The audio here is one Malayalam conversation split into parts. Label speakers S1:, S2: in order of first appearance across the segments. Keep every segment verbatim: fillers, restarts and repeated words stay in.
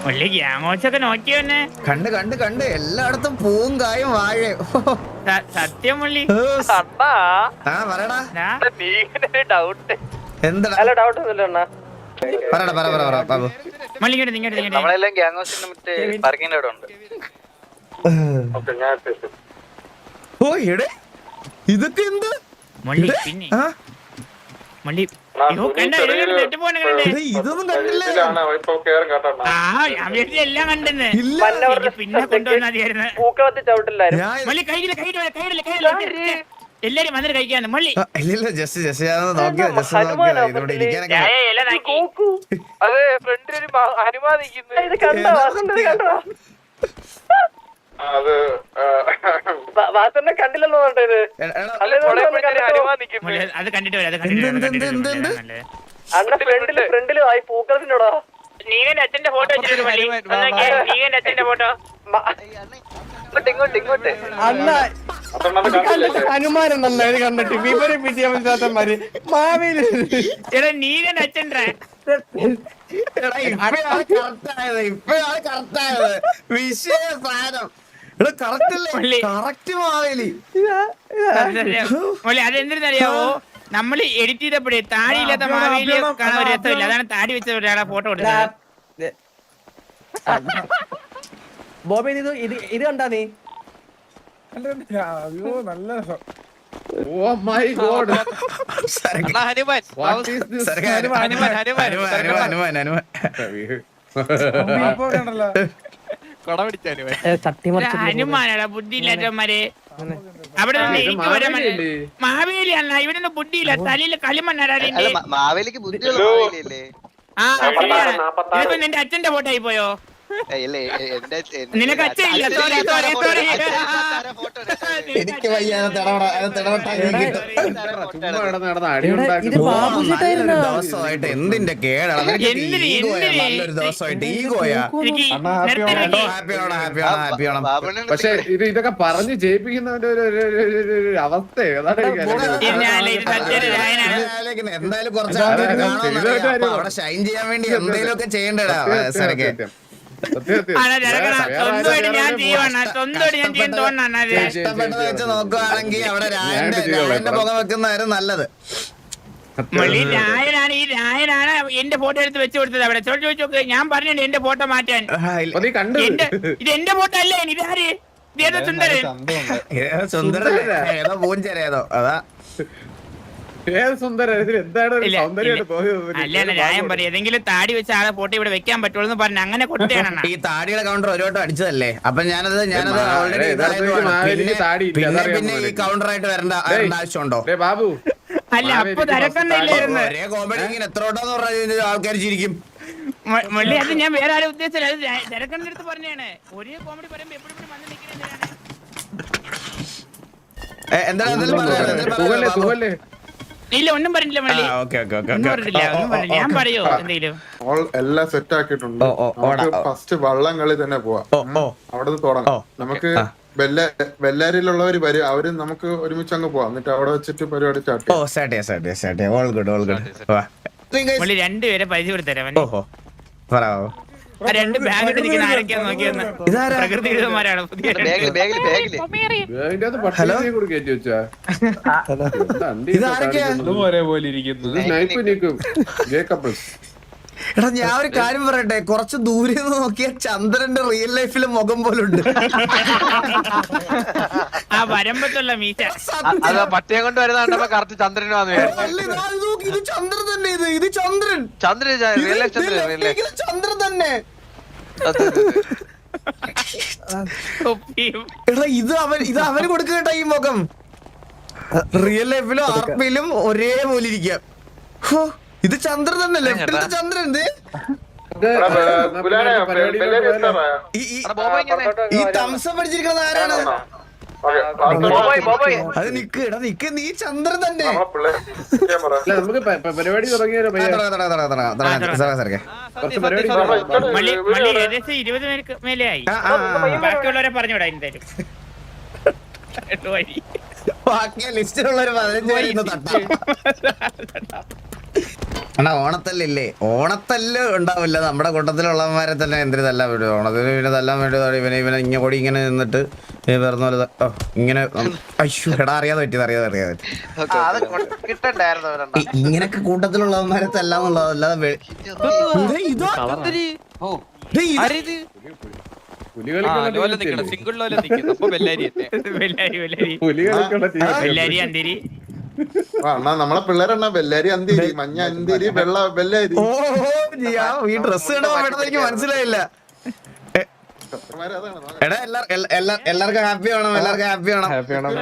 S1: ഗ്യാങ്ങോച്ചൊക്കെ നോക്കിയോന്നെ
S2: കണ്ട് കണ്ട് കണ്ട് എല്ലായിടത്തും പൂവും കായും വാഴയും.
S1: സത്യം മുള്ളി.
S2: ആ പറയടാ
S3: ഡൗട്ട്
S2: എന്താ
S3: അല്ല ഡൗട്ട് ഒന്നുമില്ല
S2: പറയടാ പറ പറ പറ ബാബു.
S1: മള്ളിങ്ങോട്ട് നിങ്ങോട്ട്
S3: നമ്മളെല്ലാം ഗ്യാങ് ഹൗസിന്റെ മറ്റേ പാർക്കിന്റെ അവിടെ ഉണ്ട്.
S2: ഓ എടേ ഇതൊക്കെ എന്ത്
S1: മള്ളി പിന്നെ
S2: ആ
S1: മള്ളി അയ്യോ, കണ്ടോ? ഇതിലൊരു തെറ്റ് പോണ കണ്ടേ?
S2: എടേ, ഇതൊന്നും കണ്ടില്ലേ?
S1: ആ ഞാൻ വീട്ടിൽ എല്ലാം കണ്ടെന്ന്.
S2: ഇല്ല
S1: എനിക്ക് പിന്നെ കൊണ്ടുവന്നാ മതിയായിരുന്നു.
S3: പൂക്കളത്തി ചവിട്ടില്ലായിരുന്നു.
S2: ഞാൻ
S1: മള്ളി കൈയില്ല കൈയില്ല കൈയില്ല കൈയില്ല എല്ലാരും വന്നിട്ട് കഴിക്കാന്ന് മള്ളി.
S2: ആ, ഇല്ലില്ല ജസ്റ്റ് ജസ്റ്റ് ഞാൻ നോക്കിയാ ജസ്റ്റ് നോക്കിയാ ഇവിടെ ഇരിക്കാനൊക്കെ
S1: ചായ എല്ലാം നാക്കി.
S3: അതെ ഫ്രണ്ടിൽ ഹനുമാൻ നിൽക്കുന്നു. ഇത് കണ്ടോ? വാസന്റെ കണ്ടോ? വാസന്റെ കണ്ടില്ലല്ലോ ഇത്.
S2: എടാ, എടാ,
S3: ഹനുമാൻ നിൽക്കുന്നു.
S1: മള്ളി, അത് കണ്ടിട്ട് വരാം അത് കണ്ടിട്ട് വരാം, അത് കണ്ടിട്ട് വരാം,
S2: എന്ത്, എന്ത്,
S1: അതാണ് നല്ലത്.
S3: അണ്ണ ഫ്രണ്ടില് ഫ്രണ്ടില് ആയി പൂക്കളത്തിനോടാ.
S1: നീകന്റെ അച്ഛന്റെ ഫോട്ടോ വെച്ചിട്ട് മള്ളി ഒന്ന് നോക്കിയേ, നീകന്റെ അച്ഛന്റെ ഫോട്ടോ.
S3: ഇങ്ങോട്ട് ഇങ്ങോട്ട്
S4: അണ്ണ ഹനുമാനുണ്ടല്ലോ ഇത് കണ്ടിട്ട് വിവരം വിദ്യാഭ്യാസന്മാര് മാവേലി.
S1: എടാ നീകന്റെ അച്ഛൻ്റെ
S2: എടാ, ഇപ്പഴാണ് correct ആയത്, ഇപ്പഴാണ് correct ആയത്. വിഷയ സാധനം. എടാ, correct അല്ലേ?
S1: മള്ളി.
S2: Correct മാവേലി.
S1: മള്ളി അതെന്തിനറിയാവോ, നമ്മള് എഡിറ്റ് ചെയ്തപ്പോഴേ താടിയില്ലാത്ത മാവേലി കാണാൻ ഒരു രസമില്ല, അതാണ് താടി വെച്ച ഒരാളെ ഫോട്ടോ കൊടുത്തത്.
S4: ബോബി ഇത് ഇത് ഇത് കണ്ടാ നീ
S5: അയ്യോ നല്ല
S6: Oh my god.
S2: സരക്ക്.
S3: Hanuman
S6: What is this?
S2: സരക്ക്, Hanuman, Hanuman, Hanuman, Hanuman, Hanuman.
S5: കണ്ടല്ലോ
S3: കൊട പിടിച്ചാലും
S1: ഹനുമാനാടാ ബുദ്ധി ഇല്ലാത്തവന്മാര്. അവിടെ നിന്ന് എനിക്ക് വരാൻ മാവേലി അല്ല, ഇവിടെ നിന്ന് ബുദ്ധിയില്ല, തലയില് കളിമണ്ണാടാ അതിന്റെ.
S3: മാവേലിക്ക് ബുദ്ധിയുള്ള മാവേലിയല്ലേ?
S1: ആ ശരിയാണ്. ഇതിപ്പോ നിന്റെ അച്ഛന്റെ ഫോട്ടോ ആയി പോയോ? നിനക്ക് അച്ഛനില്ല, സോറി സോറി സോറി.
S2: എനിക്ക് വയ്യ, അത് തിടപെടാ, അത് തിടപെട്ടാ എനിക്ക് കിട്ടും.
S6: ചുമ്മാ കിടന്ന് കിടന്ന് അടി
S4: ഇത്
S6: ഉണ്ടാക്കുന്നു.
S4: ബാബു
S2: നല്ലൊരു
S4: ചേട്ടായിരുന്നോ?
S2: ദിവസമായിട്ട് എന്തിന്റെ കേടാണ് നിനക്ക്?
S1: എന്തിന്,
S2: ഈഗോയാ,
S1: എന്തിന്?
S2: നല്ലൊരു ദിവസമായിട്ട് ഈഗോയാ.
S1: എനിക്ക്
S5: അണ്ണാ, happy
S1: നിർത്തി
S5: ആണോ?
S1: നിർത്തി.
S2: ഹാപ്പി ആണോ ഹാപ്പി ആണോ ഹാപ്പി ആണോ?
S6: പക്ഷെ ഇത് ഇതൊക്കെ പറഞ്ഞ് ജയിപ്പിക്കുന്നവന്റെ ഒരു ഒരു- ഒരു- ഒരു- ഒരു- ഒരു അവസ്ഥ ഏതാണ് എനിക്ക് അറിയില്ല.
S1: ഇന്നല്ല, ഇത് സത്യൊരു രായനാണ്.
S2: ആലോചിക്കുന്നത്. എന്തായാലും കുറച്ച് ആൾക്കാർ കാണുമെന്നറിയാം. അപ്പൊ അവിടെ ഷൈൻ ചെയ്യാൻ വേണ്ടി എന്തെങ്കിലും ഒക്കെ ചെയ്യണ്ടടാ സരക്കെ.
S6: സത്യം, സത്യം.
S1: ആണോ ചെറുക്കണ,
S6: വേറെ
S1: സ്വന്തമായിട്ട് ഞാൻ
S6: ആരും
S1: ചെയ്യുവാണ്, സ്വന്തമായിട്ട് ഞാൻ ചെയ്യാൻ തോന്നാണ്.
S2: ഇഷ്ടപ്പെട്ടത് വെച്ച് നോക്കുവാണെങ്കിൽ അവിടെ രായന്റെ
S6: ഞാൻ ചെയ്യാം.
S2: രായന്റെ പുക വെക്കുന്നതായിരുന്നു നല്ലത്.
S1: മള്ളി രായനാണ്, ഈ രായനാണ് എന്റെ ഫോട്ടോ എടുത്ത് വെച്ച് കൊടുത്തത് അവിടെ. ചോദിച്ചു ചോദിച്ചു നോക്ക്, ഞാൻ പറഞ്ഞിട്ടുണ്ട് എന്റെ ഫോട്ടോ മാറ്റാൻ.
S2: ആ, ഇല്ല.
S6: അപ്പൊ നീ കണ്ടു
S1: എന്റെ ഇത് എന്റെ ഫോട്ടോ അല്ലേ, ഇതാര്? ഇതേതോ സുന്ദരൻ.
S2: ഏതോ സുന്ദരൻ, ഏതോ പൂഞ്ചര ഏതോ അതാ.
S6: ഏത് സുന്ദരൻ ഇതിൽ എന്താണ് ഒരു
S1: ഇല്ല,
S6: സൗന്ദര്യമായിട്ട് തോന്നിയത്?
S1: അല്ല അല്ല, രായം പറയും ഏതെങ്കിലും താടി വെച്ച ആളെ ഫോട്ടോ ഇവിടെ വെക്കാൻ പറ്റുള്ളൂ എന്ന് പറഞ്ഞു അങ്ങനെ കൊടുത്തേണ.
S2: ഈ താടിയുടെ കൗണ്ടർ ഒരു വട്ടം അടിച്ചതല്ലേ, അപ്പൊ ഞാനത് ഞാനത്
S6: ഏ,
S2: ഓൾറെഡി
S6: യഥാർത്ഥത്തിൽ മാവേലിക്ക് താടി ഇല്ല,
S2: പിന്നെ
S6: അതറിയാൻ
S2: പിന്നെ ഈ
S6: പാടില്ല.
S2: കൗണ്ടർ ആയിട്ട് വരേണ്ട
S6: ഡേയ്,
S2: വരേണ്ട ആവശ്യമുണ്ടോ?
S6: ഡേയ് ബാബു,
S1: അല്ല അപ്പൊ തിരക്കൊന്നില്ലായിരുന്നു.
S2: ഒരേ കോമഡി ഇങ്ങനെ എത്ര വട്ടം പറഞ്ഞ ആൾക്കാർ ചിരിക്കും.
S1: മള്ളി അത് ഞാൻ വേറെ ആരും ഉദ്ദേശിച്ചില്ല, അത് തിരക്കന്റെ അടുത്ത് പറഞ്ഞാണ്. ഒരേ കോമഡി പറയുമ്പോ എപ്പോഴും വന്ന് നിൽക്കുന്നത്.
S2: ഏ, എന്താണ് എന്തെങ്കിലും പറയാനുള്ളത്? എന്തെങ്കിലും
S6: തൂവല്ലേ
S2: പറയാനുള്ളത് ബാബു?
S6: തൂവല്ലേ
S1: ഇല്ല ഒന്നും പറഞ്ഞില്ല മള്ളി,
S2: ആ, ഓക്കേ, ഓക്കേ, ഓക്കേ,
S1: ഒന്നും
S2: ഓക്കേ.
S1: പറഞ്ഞില്ല, ഒന്നും പറഞ്ഞില്ല. ഞാൻ പറയോ എന്തെങ്കിലും?
S5: ഓൾ എല്ലാം സെറ്റ് ആക്കിയിട്ടുണ്ട്.
S2: ഓ, ഓ, ഓടാ, ഓ.
S5: ഫസ്റ്റ് വള്ളം കളി തന്നെ പോവാം.
S2: ഓ, ഓ.
S5: അവിടെ തുടങ്ങാം.
S2: ഓ,
S5: നമുക്ക്
S2: ആ.
S5: ബെല്ല ബെല്ലാരിയിലുള്ളവര് വരും, അവര് നമുക്ക് ഒരുമിച്ച് അങ്ങ് പോവാം. എന്നിട്ട് അവിടെ വെച്ചിട്ട് പരിപാടി സ്റ്റാർട്ട്
S2: ഓ
S5: ചെയ്യാം.
S2: സ്റ്റാർട്ട് ചെയ്യാം സ്റ്റാർട്ട് ചെയ്യാം സ്റ്റാർട്ട് ചെയ്യാം. All good all good. വാ.
S1: മള്ളി രണ്ടുപേരെ പരിചയപ്പെടുത്തരാം.
S2: ഓഹോ പറയാവോ.
S1: ആ രണ്ട് ബാഗിട്ട് നിൽക്കുന്ന ആരൊക്കെയാന്ന് നോക്കിയെന്ന്.
S2: ഇതാരാ?
S1: പ്രകൃതി വിരുദ്ധന്മാരാണ് പുതിയ രണ്ട്.
S6: അതിന്റെ അത് പട്ടിയെ കൂടി കയറ്റി വെച്ചാ
S2: ഇതാരൊക്കെയാ?
S6: ഇത് സ്നൈപ്പ് നിൽക്കും ജേക്കബ്സ്.
S2: എടാ ഞാൻ ഒരു കാര്യം പറയട്ടെ, കുറച്ച് ദൂരെ നിന്ന് നോക്കിയ ചന്ദ്രന്റെ റിയൽ ലൈഫിലെ മുഖം പോലുണ്ട്.
S1: ആ വരമ്പത്തുള്ള മീശ.
S3: അത് പട്ടിയെ കൊണ്ട് വരുന്ന കറക്റ്റ് ചന്ദ്രന് വന്നു.
S2: അല്ല, ഇതാ, ഇത് നോക്ക്, ഇത് ചന്ദ്രൻ തന്നെ. ഇത് ഇത് ചന്ദ്രൻ.
S3: ചന്ദ്രൻ
S2: ഇത്
S3: റിയൽ ലൈഫ്
S2: ഇത്
S3: ചന്ദ്രൻ
S2: left
S3: റിയൽ ലൈഫ്.
S2: ലേക്ക് ഇത് ചന്ദ്രൻ തന്നെ.
S1: തൊപ്പിയും.
S2: എടാ ഇത് അവൻ ഇത് അവന് കൊടുക്കട്ട ഈ മുഖം. റിയൽ ലൈഫിലും ആർപിയിലും ഒരേപോലെ ഇരിക്കാം. ഹോ, ഇത് ചന്ദ്രൻ തന്നെ, ലെഫ്റ്റിലത്തെ ചന്ദ്രൻ. ഇത് ഈ- ഈ- ഈ തംസം പഠിച്ചിരിക്കുന്നത് ആരാണ്? അത് നിക്ക്, എടാ നിക്ക്, നീ ചന്ദ്രൻ തന്നെ.
S6: അല്ല നമുക്ക് പ- പ- പരിപാടി തുടങ്ങിയാലോ
S2: ആ,
S6: പയ്യെ?
S2: തുടങ്ങാം, തുടങ്ങാം, തുടങ്ങാം, തുടങ്ങാം, തുടങ്ങാം. സാറേ, സാറേ.
S6: കുറച്ച് പരിപാടി തുടങ്ങാം.
S1: മള്ളി മള്ളി ഏകദേശം ഇരുപത് പേർക്ക് മേലെ ആയി.
S2: ആ, ആ, ആ.
S1: ബാക്കിയുള്ളവരെ പറഞ്ഞുവിടാ എന്തായാലും. എട്ട് വഴി.
S2: ബാക്കി ലിസ്റ്റിലുള്ള ഒരു പതിനഞ്ച് പേര് ഇന്ന് തട്ടാം. അണ്ണാ ഓണത്തല്ലില്ലേ ഓണത്തല്ല് ഉണ്ടാവില്ല നമ്മുടെ കൂട്ടത്തിലുള്ളവന്മാരെ തന്നെ എന്തിനു തല്ലാൻ വേണ്ടി ഓണത്തിന് പിന്നെ തല്ലാൻ വേണ്ടി ഇവനെ ഇവനെ ഇങ്ങനെ കൂടി ഇങ്ങനെ നിന്നിട്ട് പറഞ്ഞ പോലെ ഓ ഇങ്ങനെ അയ്യോ എടാ അറിയാതെ പറ്റിയത് അറിയാതെ അറിയാതെ ഇങ്ങനൊക്കെ കൂട്ടത്തിലുള്ളവന്മാരെ തല്ലാന്നുള്ളത് അല്ലാതെ
S5: അണ്ണാ നമ്മളെ പിള്ളേരെണ്ണ ബെല്ലാരി അന്തിരി മഞ്ഞ അന്തിരി വെള്ള ബെല്ലാരി.
S2: ഓ ഈ ഡ്രസ് കണ്ടപ്പോ എനിക്ക് മനസ്സിലായില്ല. എടാ എല്ലാവർക്കും ഹാപ്പി വേണം എല്ലാവർക്കും ഹാപ്പി വേണം.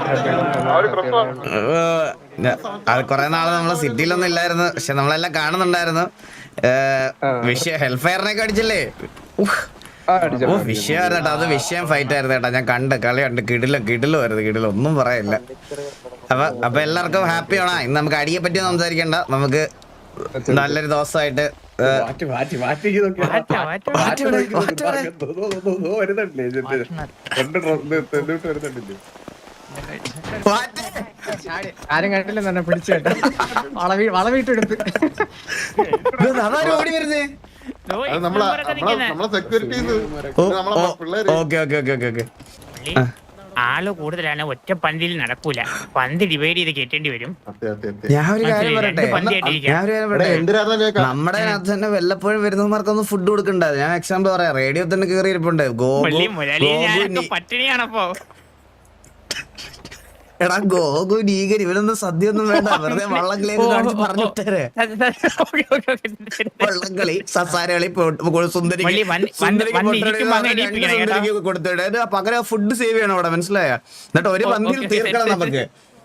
S2: അത് കൊറേ നാള് നമ്മള് സിറ്റിയിലൊന്നും ഇല്ലായിരുന്നു പക്ഷെ നമ്മളെല്ലാം കാണുന്നുണ്ടായിരുന്നു. വിഷയം ഹെൽത്ത് ഫെയറിനൊക്കെ അടിച്ചില്ലേ? ഓ വിഷയമായിരുന്നു കേട്ടോ. അത് വിഷയം ഫൈറ്റ് ആയിരുന്നു കേട്ടോ. ഞാൻ കണ്ട് കളി കണ്ട് കിടിലും കിടിലും ആയിരുന്നു കിടിലും ഒന്നും പറയില്ല. അപ്പൊ അപ്പൊ എല്ലാവർക്കും ഹാപ്പി ആണോ? ഇന്ന് നമുക്ക് അടിയെ പറ്റി സംസാരിക്കണ്ട. നമുക്ക് നല്ലൊരു ദിവസമായിട്ട്
S3: ആരും കണ്ടില്ല തന്നെ പിടിച്ചു കേട്ടോ. വളവി വളവിട്ടെടുത്ത്
S2: ഓടി വരുന്നേ.
S5: നമ്മളെ security
S2: okay okay okay okay okay.
S1: ആള് കൂടുതലാണ് ഒറ്റ പന്തിൽ നടക്കൂല. പന്ത് ഡിവൈഡ് ചെയ്ത് കേട്ടേണ്ടി വരും.
S2: ഞാൻ ഒരു കാര്യം പറയട്ടെ ഞാൻ ഒരു കാര്യം പറയട്ടെ നമ്മുടെ അതിനകത്ത് തന്നെ വല്ലപ്പോഴും വരുന്നവർക്കൊന്നും ഫുഡ് കൊടുക്കണ്ട. ഞാൻ എക്സാമ്പിൾ പറയാം. റേഡിയോ തന്നെ കയറി ഇരിപ്പുണ്ട്
S1: പട്ടിണിയാണപ്പോ.
S2: എടാ ഗോകു നീകൻ ഇവനൊന്നും സദ്യ ഒന്നും വേണ്ട. വെറുതെ വള്ളംകളിയൊക്കെ കാണിച്ച് പറഞ്ഞിട്ടേ വള്ളംകളി സസാരകളി സുന്ദരിക്ക് കൊടുത്തിട്ട് പകരം ഫുഡ് സേവ് ചെയ്യണം അവിടെ. മനസ്സിലായ? എന്നിട്ട് ഒരു പന്തിൽ തീർക്കണം നമുക്ക്.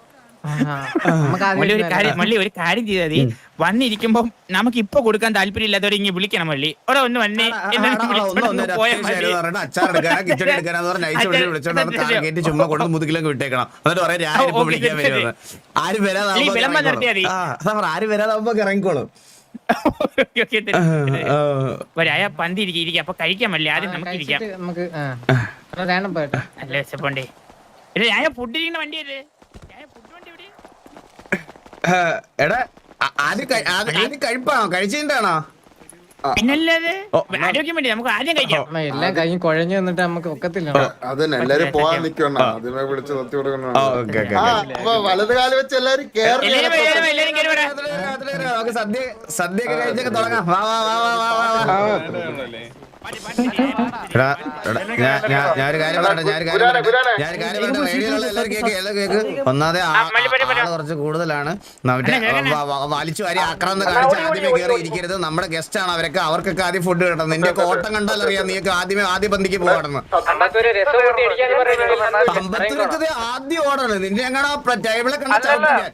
S1: ഒരു കാര്യം മള്ളി ഒരു കാര്യം ചെയ്താൽ മതി. വന്നിരിക്കുമ്പോ നമുക്ക് ഇപ്പൊ കൊടുക്കാൻ താല്പര്യം ഇല്ലാത്തവരെ ഇങ്ങനെ വിളിക്കണം മള്ളി. ഒരാ ഒന്ന് വന്നേ
S2: അച്ചാറെടുക്കാനാ കിച്ചടി എടുക്കാനാന്ന് പറഞ്ഞ അയച്ചു വിളിച്ചോണ്ട് കയറ്റി ചുമ്മാ കൊണ്ട് മുതുകിലൊക്കെ വിട്ടേക്കണം. എന്നിട്ട് പറയാം ഞാനിപ്പോ വിളിക്കാൻ വരുന്നത്. ആരും വരാതാവുമ്പോ ആരും വരാതാവുമ്പോ ഇറങ്ങിക്കോളും.
S1: ഒരായ പന്തി ഇരിക്കും. അപ്പൊ കഴിക്കാൻ മള്ളി ആദ്യം നമുക്ക് ഇരിക്കാം. നല്ല വിശപ്പുണ്ടേ. ഞാൻ ഫുഡ് ഇരിക്കുന്ന വണ്ടിയല്ലേ?
S2: എടാ ആദ്യം കഴിപ്പാണോ? കഴിച്ചിട്ടാണോ?
S1: പിന്നല്ലാതെ ആരോഗ്യം വേണ്ടി നമുക്ക് ആദ്യം കഴിക്കാം.
S3: എല്ലാം കഴിഞ്ഞ് കുഴഞ്ഞു വന്നിട്ട് നമുക്ക് ഒക്കത്തില്ല.
S5: അതന്നെ എല്ലാരും പോവാൻ നിക്കണം. ആദ്യമേ വിളിച്ച് നിർത്തി കൊടുക്കണം. വലത് കാലം വെച്ച് എല്ലാരും
S2: സദ്യ സദ്യ ഒക്കെ കഴിച്ചൊക്കെ തുടങ്ങാം. വാ വാ വാ വാ വാ. ഞാനൊരു കാര്യം പറയട്ടെ ഞാനൊരു കാര്യം പറയട്ടെ ഞാനൊരു കാര്യം പറയട്ടെ റേഡിയോയിലുള്ള എല്ലാവരും കേക്ക് എല്ലാം കേക്ക്. ഒന്നാമതെ ആള് കുറച്ച് കൂടുതലാണ്. മറ്റേ വലിച്ചു വാരി ആക്രാന്തം കാണിച്ച് ആദ്യമേ കയറി ഇരിക്കരുത്. നമ്മുടെ ഗസ്റ്റ് ആണ് അവരൊക്കെ. അവർക്കൊക്കെ ആദ്യം ഫുഡ് കിട്ടണം. നിന്റെ ഓട്ടം കണ്ടാൽ അറിയാം നീക്ക് ആദ്യമേ ആദ്യ പന്തിക്ക് പോകണം. അമ്പത്തൂരൊക്കെ ആദ്യം ഓടണം. നിന്റെ എങ്ങനെ ടേബിളെ കണ്ട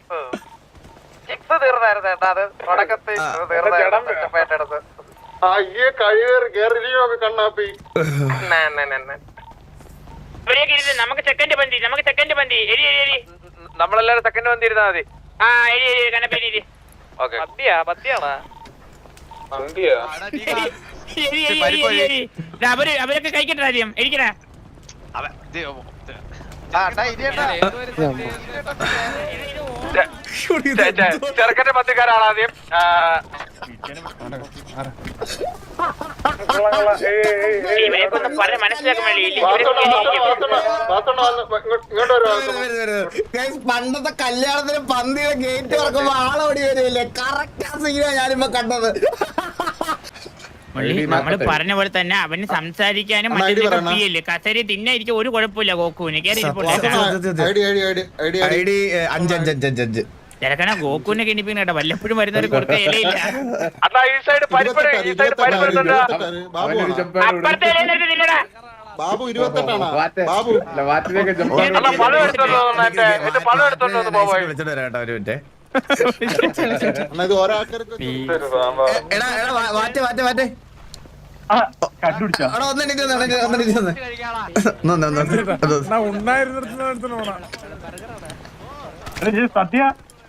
S5: കണ്ണാപ്പി
S1: നമുക്ക് സെക്കൻഡ് പന്തി നമുക്ക് സെക്കൻഡ് പന്തി
S3: നമ്മളെല്ലാരും സെക്കൻഡ് വന്നിരുന്നാ മതി.
S1: ആ എരി എരി കണ്ണപ്പേരി
S3: പത്തിയാ പത്തിയാണോ?
S1: അവര് അവരൊക്കെ കഴിക്കട്ടെ ആദ്യം എരിക്കണ.
S3: ചെറുക്കന്റെ പത്തിക്കാരാണ് ആദ്യം.
S2: പണ്ടത്തെ കല്യാണത്തിന് പന്തിയുടെ ഗേറ്റ് തുറക്കുമ്പോ ആളോടി വരുമല്ലേ? കറക്റ്റ് ആ സീനാ ഞാനിപ്പോ കണ്ടത്.
S1: നമ്മള് പറഞ്ഞ പോലെ തന്നെ അവന് സംസാരിക്കാനും മറ്റേ കസേര തിന്നായിരിക്കും ഒരു കുഴപ്പമില്ല. ഗോക്കുവിന് ചിലക്കണ ഗോക്കുവിനെ കിണിപ്പിക്കുന്ന കേട്ടോ. വല്ലപ്പോഴും വരുന്നവര് കൊടുത്ത ഇലയില്ല. അപ്പുറത്തെ ഇലയിലേക്ക് തിന്നടാ.
S5: ബാബു ഇരുപത്തെട്ടാണ്. ബാബു
S2: വിളിച്ചിട്ട് വരാട്ടോ ഒരു മിനിറ്റ്.
S5: ഇത് ഒരാൾക്കാർക്ക്
S2: എടാ എടാ മാറ്റേ മാറ്റേ മാറ്റേ
S7: സദ്യ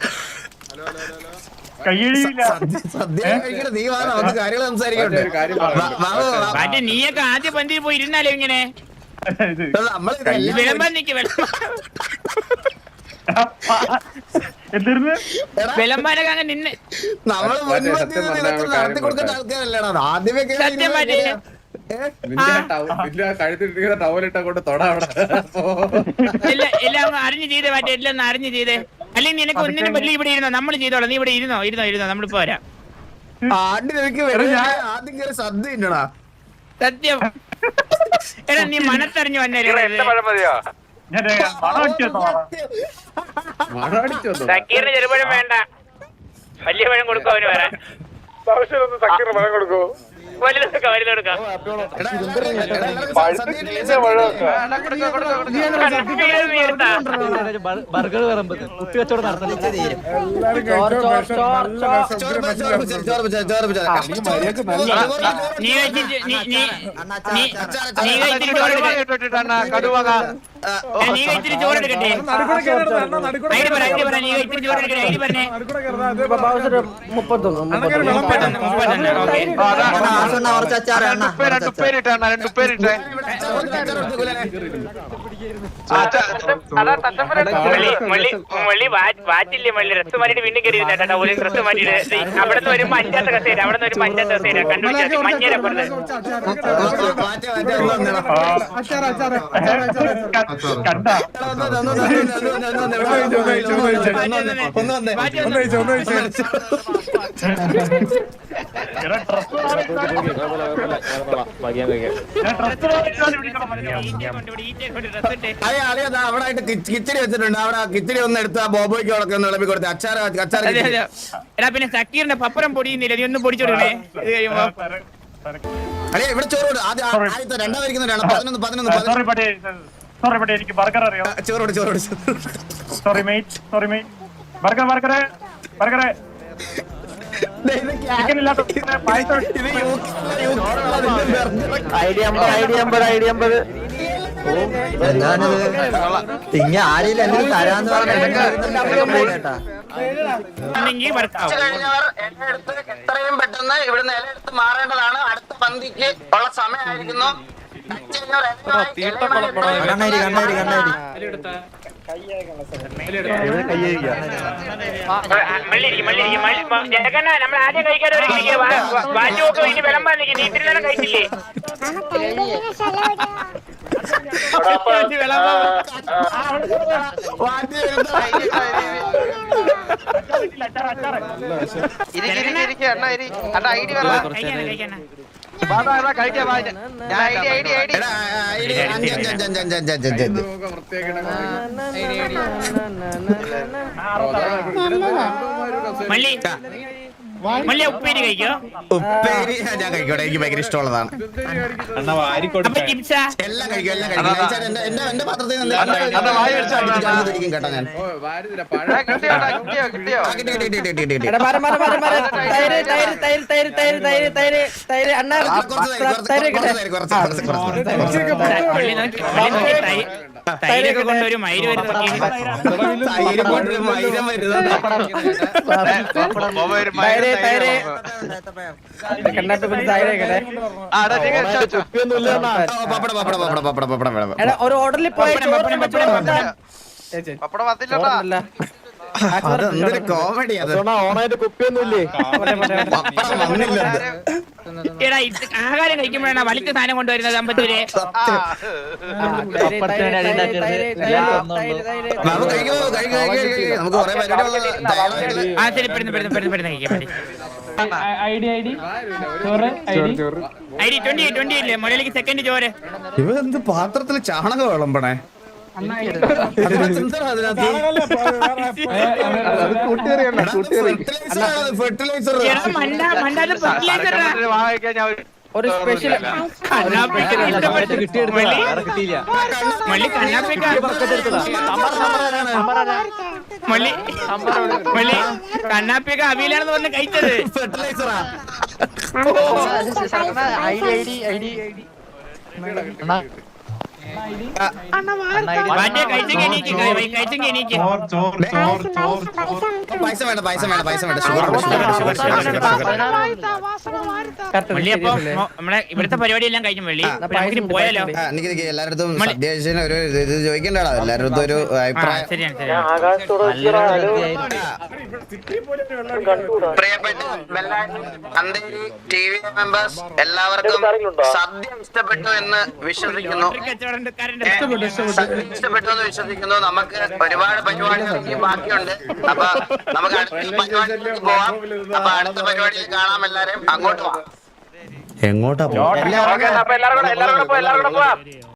S2: നീ വാ നമുക്ക് കാര്യങ്ങൾ സംസാരിക്കട്ടെ.
S1: നീയൊക്കെ ആദ്യ പന്തിയിൽ പോയി ഇരുന്നാലോ ഇങ്ങനെ
S2: നമ്മള്
S1: വിളമ്പാൻ നിക്ക്. വിളമ്പാനൊക്കെ അങ്ങ് നിന്ന്
S2: നമ്മള് മുൻപന്തിയിൽ നിന്ന് ഇതൊക്കെ നടത്തി കൊടുക്കേണ്ട ആൾക്കാരല്ലേടാ ആദ്യമേ കേറി
S1: സത്യം മാറ്റി
S6: നിന്റെ ടവ- നിന്റെ ആ കഴുത്തിട്ടിരിക്കുന്ന ടവലിട്ട കൊണ്ട് തൊടാ അവിടെ.
S1: ഇല്ല എല്ലാം ഒന്ന് അറിഞ്ഞ് ചെയ്തേ മാറ്റി എല്ലാം ഒന്ന് അറിഞ്ഞ് ചെയ്തേ അല്ലെങ്കിൽ നിനക്ക് ഒന്നിനും പറ്റില്ല ഇവിടെ ഇരുന്നോ നമ്മൾ ചെയ്തോളാം നീ ഇവിടെ ഇരുന്നോ ഇരുന്നോ ഇരുന്നോ നമ്മളിപ്പോ വരാം
S2: ആദ്യം എനിക്ക് വരും ആദ്യം കയറി സദ്യ ഉണ്ടടാ
S1: സത്യം എടാ നീ മനത്തറിഞ്ഞു വന്നേ
S3: പഴം മതിയോ
S6: മഴ അടിച്ചു വന്നു.
S1: സക്കീറിന് ചെറുപഴം വേണ്ട വലിയ പഴം കൊടുക്കും അവന് വരാൻ
S3: സക്കീറിന് പഴം കൊടുക്കോ
S1: വലുതെടുക്കാം വലുതെടുക്കാം
S7: ബർഗർ വിളമ്പത് കുട്ടി കച്ചവടം നടത്തണം
S1: നീ കഴിച്ചിട്ട് നീ നീ നീ നീ കഴിച്ചിട്ട് ചോറ് നീ കഴിച്ചിട്ട് ചോറ് എടുക്കട്ടെ ഐഡി പറ ഐഡി പറ നീ കഴിച്ചിട്ട് ചോറ് എടുക്കട്ടെ ഐഡി പറഞ്ഞേ
S7: മുപ്പത്തൊന്ന്
S1: മുപ്പത്തൊന്ന് മുപ്പത്തൊന്ന് ഓക്കെ മള്ളി വാറ്റില്ലേ മള്ളി ഡ്രസ് മാറ്റിട്ട് വീണ്ടും കയറി ഇരുന്നേട്ടാ ഒരു ഡ്രസ് മാറ്റിട്ട് അവിടെ നിന്ന് വരുമ്പോ അഞ്ചാത്ത കസേര അവിടെ നിന്ന് വരുമ്പോ അഞ്ചാത്ത കസേര കണ്ടുപിടിച്ചാൽ മഞ്ഞേരപ്പുറത്ത്
S2: അവിടെ ആയിട്ട് കിച്ചടി വെച്ചിട്ടുണ്ട് അവിടെ കിച്ചടി ഒന്ന് എടുത്ത് ആ ബോബോയ്ക്ക് അവിടെ ഒന്ന് ഇളമ്പി കൊടുത്ത് അച്ചാറ് അച്ചാറ്
S1: എടാ പിന്നെ സക്കീറിന്റെ പപ്പരം പൊടിയുന്നില്ല നീ ഒന്ന് പൊടിച്ചോടണേ ഇത് കഴിയുമ്പോ
S2: അല്ലേ ഇവിടെ ചോറ് ആദ്യം ആദ്യത്തെ രണ്ടാം വരിക്കുന്നവരാണ് പതിനൊന്ന് പതിനൊന്ന്
S8: സോറി എനിക്ക് ബർഗർ അറിയോ
S2: ചോറോട് ചോറോട്
S8: sorry mate sorry mate burger burger burger chicken ഇല്ലാത്ത പായസം
S7: ഐഡിയ അമ്പത് ഐഡിയ അമ്പത് ഐഡിയ അമ്പത് തിങ്ങ ആരെയും എന്തെങ്കിലും തരാന്ന് പറഞ്ഞാ
S2: എത്രയും പെട്ടെന്ന് ഇവിടുന്ന് ഇലയെടുത്ത് മാറേണ്ടതാണ് അടുത്ത പന്തിക്ക് ഉള്ള സമയമായിരിക്കുന്നു
S7: കണ്ണാരി കണ്ണാരി കണ്ണാരി
S1: നമ്മൾ ആദ്യം കഴിക്കാതെ വാറ്റുമൊക്കെ ഇനി വിളമ്പാൻ നീ ഇത്തിരി നേരം കഴിച്ചില്ലേ മള്ളി മള്ളി ഉപ്പേരി കഴിക്കോ
S2: ഉപ്പേരി ഞാൻ കഴിക്കോട്ടെ എനിക്ക് ഭയങ്കര ഇഷ്ടമുള്ളതാണ്
S1: അപ്പൊ ചിപ്സാ
S2: എല്ലാം കഴിക്കും എല്ലാം കഴിക്കും എന്റെ എന്റെ എന്റെ പാത്രത്തിൽ നിന്ന് കേട്ടോ ഞാൻ
S1: തൈരൊക്കെ കൊണ്ടൊരു മയില്
S7: ഒരു ഓർഡറിൽ പോയി
S2: അതെന്തൊരു കോമഡി അത്
S7: ഓണായിട്ട് കുപ്പിയൊന്നുമില്ലേ
S1: എടാ ഇത് ആഹാരം കഴിക്കുമ്പോഴാണ് വലിച്ച സാധനം കൊണ്ടുവരുന്നത് അമ്പത്തൂര്
S2: നമുക്ക് കുറെ പരിപാടി
S1: ആ ശരി പെടുന്നു പെടുന്നു പെടുന്നു പെടുന്നു കഴിക്കാൻ പറ്റി ഐ ഡി ട്വന്റി ട്വന്റി ഇല്ലേ മുരളിക്ക് സെക്കൻഡ് ചോര്
S2: ഇവ എന്ത് പാത്രത്തിൽ ചാണകം വിളമ്പണേ ഫെർട്ടിലൈസർ
S7: ഒരു സ്പെഷ്യൽ
S1: കണ്ണാപ്പിയൊക്കെ അവിയിലാണെന്ന് പറഞ്ഞ് കഴിച്ചത്
S2: ഫെർട്ടിലൈസറാ
S1: മറ്റേ കഴിച്ചെങ്കിൽ എണീക്ക് കഴിച്ചെങ്കിൽ എണീക്ക്
S8: ചോർ ചോർ ചോർ ചോർ ചോർ
S2: പൈസ വേണ്ട പൈസ വേണ്ട പൈസ വേണ്ട ഷുഗർ ഉണ്ട് ഷുഗർ ഉണ്ട് ഷുഗർ ഷുഗർ ഷുഗർ
S1: വെള്ളി അപ്പൊ നമ്മളെ ഇവിടുത്തെ പരിപാടി എല്ലാം കഴിഞ്ഞു വെള്ളി നമുക്ക് പോയാലോ
S2: ആ, നിക്ക് നിക്ക് എല്ലായിടത്തും സദ്യ കഴിച്ചതിന് ഒരു ഇത് ഇത് ചോദിക്കണ്ടാടാ എല്ലായിടത്തും ഒരു അഭിപ്രായം
S1: ശരിയാണ് ശരിയാണ്
S2: പ്രിയപ്പെട്ട അന്തേരി ടി വി മെമ്പേഴ്സ് എല്ലാവർക്കും സദ്യ ഇഷ്ടപ്പെട്ടു എന്ന് വിശ്വസിക്കുന്നു സദ്യ ഇഷ്ടപ്പെട്ടു എന്ന് വിശ്വസിക്കുന്നു നമുക്ക് ഒരുപാട് പരിപാടികൾ ഇനിയും ബാക്കിയുണ്ട് അപ്പൊ നമുക്ക് അടുത്ത പരിപാടിയിലേക്ക് പോവാം അപ്പൊ അടുത്ത പരിപാടിയിൽ കാണാം എല്ലാരും അങ്ങോട്ട് പോവാം എങ്ങോട്ടാ
S3: അപ്പൊ എല്ലാവരും കൂടെ എല്ലാവരും കൂടെ പോ എല്ലാവരും കൂടെ പോവാം